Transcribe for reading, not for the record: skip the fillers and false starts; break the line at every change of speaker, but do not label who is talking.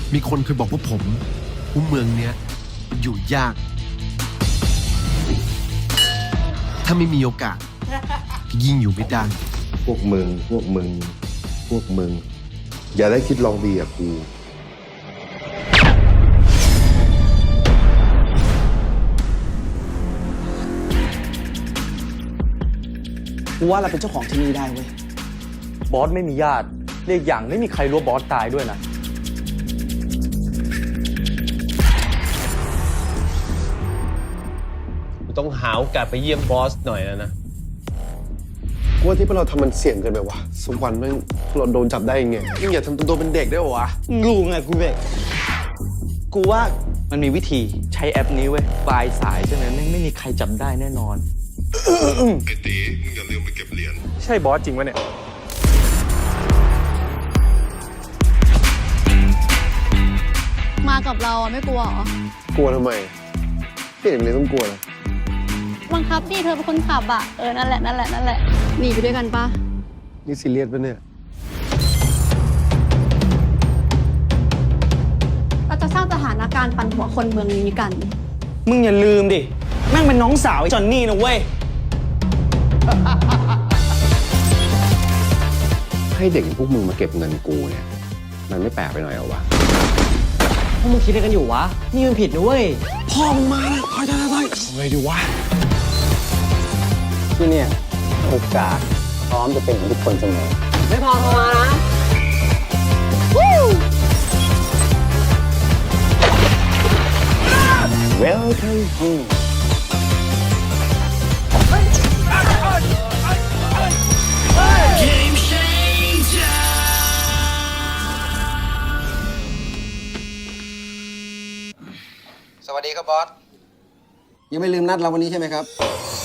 มีคนเคยบอกพวกผมว่าเมืองเนี้ยอยู่ยาก ถ้าไม่มีโอกาสยิ่งอยู่ไม่ได้
พวกมึง อย่าได้คิดลองดีกับกู
กูว่าเราเป็นเจ้าของที่นี่ได้เว้ย
บอสไม่มีญาติเรียกอย่างไม่มีใครรู้บอสตายด้วยนะ
ต้องหาโอกาสไปเยี่ยมบอสหน่อยแล้วนะ
กูว่าที่พวกเราทำมันเสี่ยงเกินไปวะสักวันแม่งพวกเราโดนจับได้ยังไงยิ่งอย่าทำตัวเป็นเด็กได้วะ
รู้ไงกูเว้ยกูว่ามันมีวิธี
ใช้แอปนี้เว้ยปลายสายใช่ไหมไม่มีใครจับได้แน่นอน
ไอ้ตีมึงอย่าลืมไปเก็บเหรียญ
ใช่บอสจริงวะเนี่ย
มากับเราอะไม่กลัวเหรอ
กลัวทำไมไม่เห็นเลยต้องกลัวเลย
บังคับดิเธอเป็นคนขับอะนั่นแหละหนีไปด้วยกันปะ
นี่ซีเรียสปะเนี่ย
เราจะสร้างสถานการณ์ปั่นหัวคนเมืองนี้กัน
มึงอย่าลืมดิ แม่งเป็นน้องสาวไอ้จอนนี่นะเว้ย
ให้เด็กอย่างพวกมึงมาเก็บเงินกูเนี่ย มันไม่แปลกไปหน่อยเหรอวะ
พวกมึงคิดอะไรกันอยู่วะ นี่มันผิดนะเว้ย
พ่อมึงมาแล้วถอยไงดีวะ
ที่เนี่ยโอกาสพร้อมจะเป็นของทุกคนเสมอ
ไม่พอโทรมานะ
Welcome home
สวัสดีครับบอส ยังไม่ลืมนัดเราวันนี้ใช่ไหมครับ